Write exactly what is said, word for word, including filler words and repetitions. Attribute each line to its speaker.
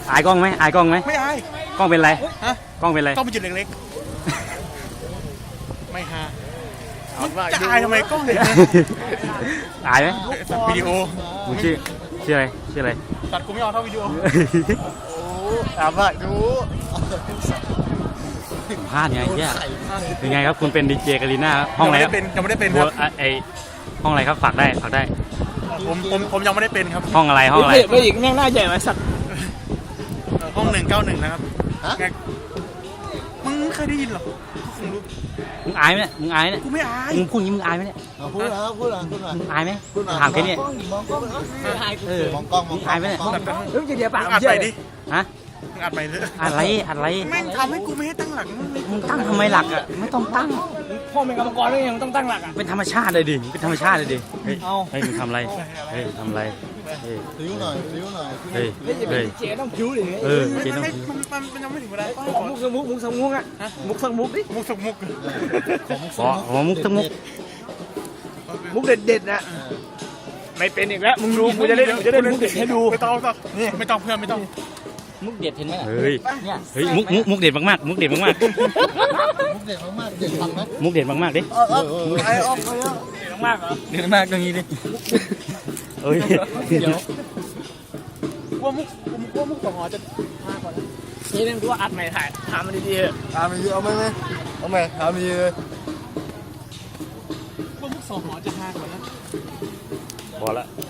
Speaker 1: อายกล้องไหมอายกล้องไหม
Speaker 2: ไม่อาย
Speaker 1: กล้องเป็นไร
Speaker 2: ฮะ
Speaker 1: กล้องเป็นไร
Speaker 2: กล้องเป็นจุดเล็กๆไม่ฮะมันจะอายทำไมกล้องเนี่ย
Speaker 1: อายไหม
Speaker 2: ตัดวิดีโอ
Speaker 1: มึงชื่อชื่ออะไรชื่ออะไร
Speaker 2: ตัดกูไม่เอาเท่าวิดีโอ
Speaker 3: โอ้ถามว่าดู
Speaker 1: พลาดไงแย่เป็นไงครับคุณเป็นดีเจกาลิน่าห้องอะไรครับ
Speaker 2: ยังไม่ได้เป็นครับ
Speaker 1: ไอห้องอะไรครับฝากได้ฝากได้
Speaker 2: ผมผมผมยังไม่ได้เป็นครับ
Speaker 1: ห้องอะไรห้องอะไร
Speaker 4: ไม่อีกแม่งหน้าใหญ่ไหมสัตว์
Speaker 2: ห้องหนึ่งเก้าหนึ่งนะครับมึงเคยได้ยินหรอคงรู้
Speaker 1: มึงอายไหมเนี่ยมึงอายเนี่ย
Speaker 2: กูไม่อาย
Speaker 1: มึงพูดงี้มึงอายไหมเนี่ย
Speaker 3: พูดนะพูดนะพูดนะ
Speaker 1: มึงอายไหมถามแค่นี้เออ
Speaker 3: มองกล้องมอง
Speaker 1: อายไหมเนี่ย
Speaker 4: เฮ้ยเดี๋ยวปาก
Speaker 2: อัดไปดิ
Speaker 1: ฮะ
Speaker 2: อัดไปเลย
Speaker 1: อะไรอะไร
Speaker 2: แม่งทำให้กูไม่ให้ตั้งหลัก
Speaker 1: มึงตั้งทำไมหลักอ่ะไม่ต้องตั้ง
Speaker 4: พ่อเป็นกรรมกรด้วยยังต้องตั้งหลักอ่ะ
Speaker 1: เป็นธรรมชาติเลยดิเป็นธรรมชาติเลยดิเฮ้ยเฮ้ยมึงทำอะไรเฮ้ยทำอะไรเฮ้ย
Speaker 3: ริ้วหน่อยริ้วหน่อย
Speaker 1: เฮ้ยเฮ้ย
Speaker 4: เจ๊ต้องผิวดิ
Speaker 1: เออเจ๊ต้อง
Speaker 2: มันมันมันยังไม่ถึงเวลา
Speaker 4: มุกสมุกมุกสมุกอ่ะมุกสมุกดิ
Speaker 2: มุกสมุก
Speaker 1: อ๋อมุกสมุก
Speaker 4: มุกเด็ดเด็ดนะไม่เป็นอีกแล้วมึงดูกูจะเล่นกูจะเล่นมุกเด็ดให้ดู
Speaker 2: ไม่ต้องนี่ไม่ต้องเพื่อนไม่ต้อง
Speaker 4: มุกเด็ดเห็นไหม
Speaker 1: เฮ้ยเฮ้ยมุกมุกมุกเด็ดมากๆมุกเด็ดมากๆ
Speaker 3: มุกเด็ดมากๆเด็ดทำไหม
Speaker 1: มุกเด็ดมากๆดิ
Speaker 3: ไอ้ออกไปแล้ว
Speaker 4: เด็ดมากเหรอ
Speaker 1: เด็ดมากตรงนี้ดิเฮ้ย
Speaker 4: เดี๋ยว
Speaker 2: ว่ามุกว่ามุกสองหอจะมากกว่านั้น
Speaker 4: นี่นึงกูว่าอัดใหม่ถ่ายทำมันดีๆ
Speaker 3: ตามมีเอาไหมไหมเอาไหมทำมีเลย
Speaker 2: ว่ามุกสองหอจะมากกว่านั้น
Speaker 1: พอละ